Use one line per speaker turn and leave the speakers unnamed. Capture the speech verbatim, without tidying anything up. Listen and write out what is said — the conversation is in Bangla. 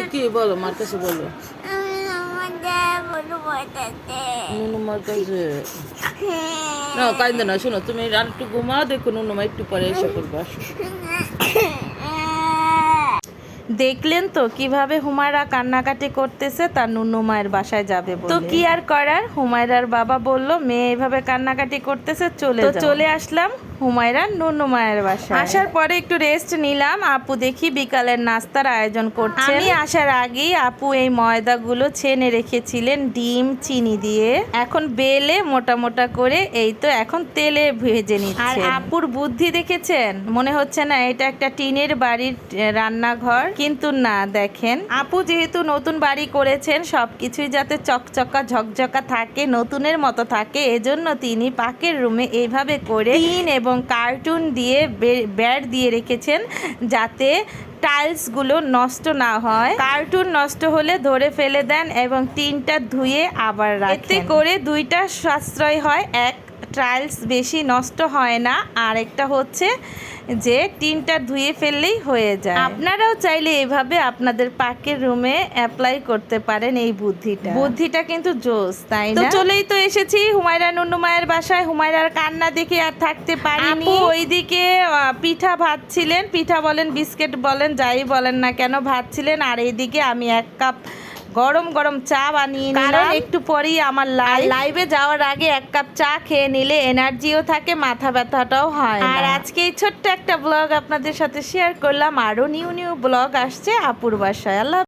কি বলো, মার কাছে বলো। নুনু মার কাছে না, কাইন্দে না। শোনো, তুমি আর একটু ঘুমাও, দেখো নুনু মা একটু পরে এসে করবা।
দেখলেন তো কিভাবে হুমায়রা কান্নাকাটি করতেছে তার নুনু মায়ের বাসায় যাবে বলে। তো কি আর করার, হুমায়রার বাবা বলল মেয়ে এইভাবে কান্নাকাটি করতেছে, চলে তো চলে আসলাম হুমায়রার নুনু মায়ের বাসায়। আসার পরে একটু রেস্ট নিলাম। আপু দেখি বিকালের নাস্তার আয়োজন করছে। আমি আসার আগেই আপু এই ময়দাগুলো ছেনে রেখেছিলেন ডিম চিনি দিয়ে, এখন বেলে মোটা মোটা করে এই তো এখন তেলে ভেজে নিচ্ছে। আর আপুর বুদ্ধি দেখেছেন, মনে হচ্ছে না এটা একটা টিনের বাড়ির রান্নাঘর, কিন্তু না, দেখেন আপু যেহেতু নতুন বাড়ি করেছেন সবকিছুই যাতে চকচকা ঝকঝকা থাকে, নতুনের মতো থাকে, এজন্য তিনি পাকের রুমে এইভাবে করে টিন এবং কার্টুন দিয়ে ব্যাট দিয়ে রেখেছেন যাতে টাইলসগুলো নষ্ট না হয়। কার্টুন নষ্ট হলে ধরে ফেলে দেন এবং টিনটা ধুয়ে আবার রাখেন। এতে করে দুইটা সাশ্রয় হয়, এক টাইলস বেশি নষ্ট হয় না, আর একটা হচ্ছে যে টিনটা ধুয়ে ফেললেই হয়ে যায়। আপনারাও চাইলে এভাবে আপনাদের পাকের রুমে অ্যাপ্লাই করতে পারেন এই বুদ্ধিটা। বুদ্ধিটা কিন্তু জোস, তাই না? তো চলেই তো এসেছি হুমায়রা নুনু মায়ের বাসায়। হুমায়রার কান্না দেখে আর থাকতে পারিনি। ওইদিকে পিঠা ভাজছিলেন, পিঠা বলেন বিস্কিট বলেন যাই বলেন না কেন ভাজছিলেন, আর এইদিকে আমি এক কাপ গরম গরম চা বানিয়ে নিলাম। একটু পরেই আমার লাইভ লাইভে যাওয়ার আগে এক কাপ চা খেয়ে নিলে এনার্জিও থাকে, মাথা ব্যথাটাও হয়। আর আজকে এই ছোট্ট একটা ব্লগ আপনাদের সাথে শেয়ার করলাম। আরো নিউ নিউ ব্লগ আসছে আপুর বাসায়। আল্লাহ।